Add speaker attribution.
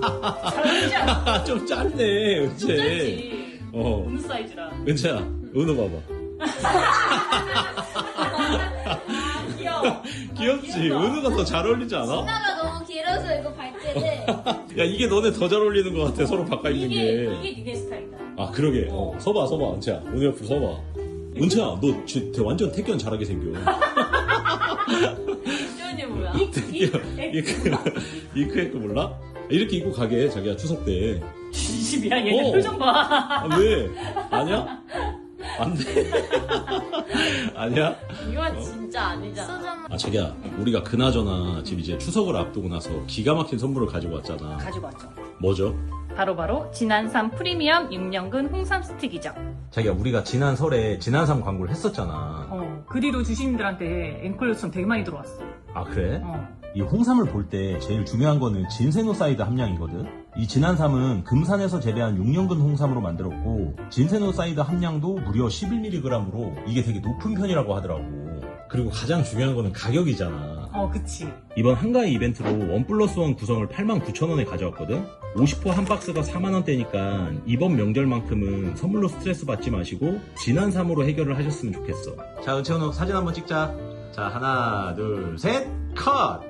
Speaker 1: 잘 어울리지 않아?
Speaker 2: 좀 짧네,
Speaker 1: 좀
Speaker 2: 은채.
Speaker 1: 짧지. 어느 사이즈라.
Speaker 2: 은채야, 은호 봐봐.
Speaker 1: 귀여워.
Speaker 2: 귀엽지?
Speaker 1: 귀엽다.
Speaker 2: 은호가 더 잘 어울리지 않아?
Speaker 3: 치마가 너무 길어서 이거 발 때는
Speaker 2: 야, 이게 너네 더 잘 어울리는 것 같아, 서로 바꿔 입는 게.
Speaker 1: 이게 니네 스타일이다.
Speaker 2: 아, 그러게. 서봐, 은채야. 은호 옆으로 서봐. 은채야, 너 완전 태견 잘하게 생겨.
Speaker 1: 표현이 뭐야?
Speaker 2: 이크에크 몰라? 이렇게 입고 가게, 자기야, 추석 때.
Speaker 1: 진심이야? 얘네 표정 봐.
Speaker 2: 아, 왜? 아니야? 안 돼? 아니야?
Speaker 1: 이건 진짜 아니잖아.
Speaker 2: 아, 자기야, 우리가 그나저나 지금 이제 추석을 앞두고 나서 기가 막힌 선물을 가지고 왔잖아.
Speaker 1: 가지고 왔죠.
Speaker 2: 뭐죠?
Speaker 1: 바로 진안삼 프리미엄 6년근 홍삼 스틱이죠.
Speaker 2: 자기야, 우리가 지난 설에 진안삼 광고를 했었잖아.
Speaker 1: 그 뒤로 주시님들한테 앵콜 요청 되게 많이 들어왔어.
Speaker 2: 아, 그래?
Speaker 1: 어.
Speaker 2: 이 홍삼을 볼 때 제일 중요한 거는 진세노사이드 함량이거든. 이 진안삼은 금산에서 재배한 6년근 홍삼으로 만들었고 진세노사이드 함량도 무려 11mg으로 이게 되게 높은 편이라고 하더라고. 그리고 가장 중요한 거는 가격이잖아.
Speaker 1: 그치.
Speaker 2: 이번 한가위 이벤트로 1+1 구성을 89,000원에 가져왔거든. 50호 한 박스가 4만원대니까 이번 명절만큼은 선물로 스트레스 받지 마시고 진안삼으로 해결을 하셨으면 좋겠어. 자, 은채원호 사진 한번 찍자. 자, 하나 둘 셋 컷!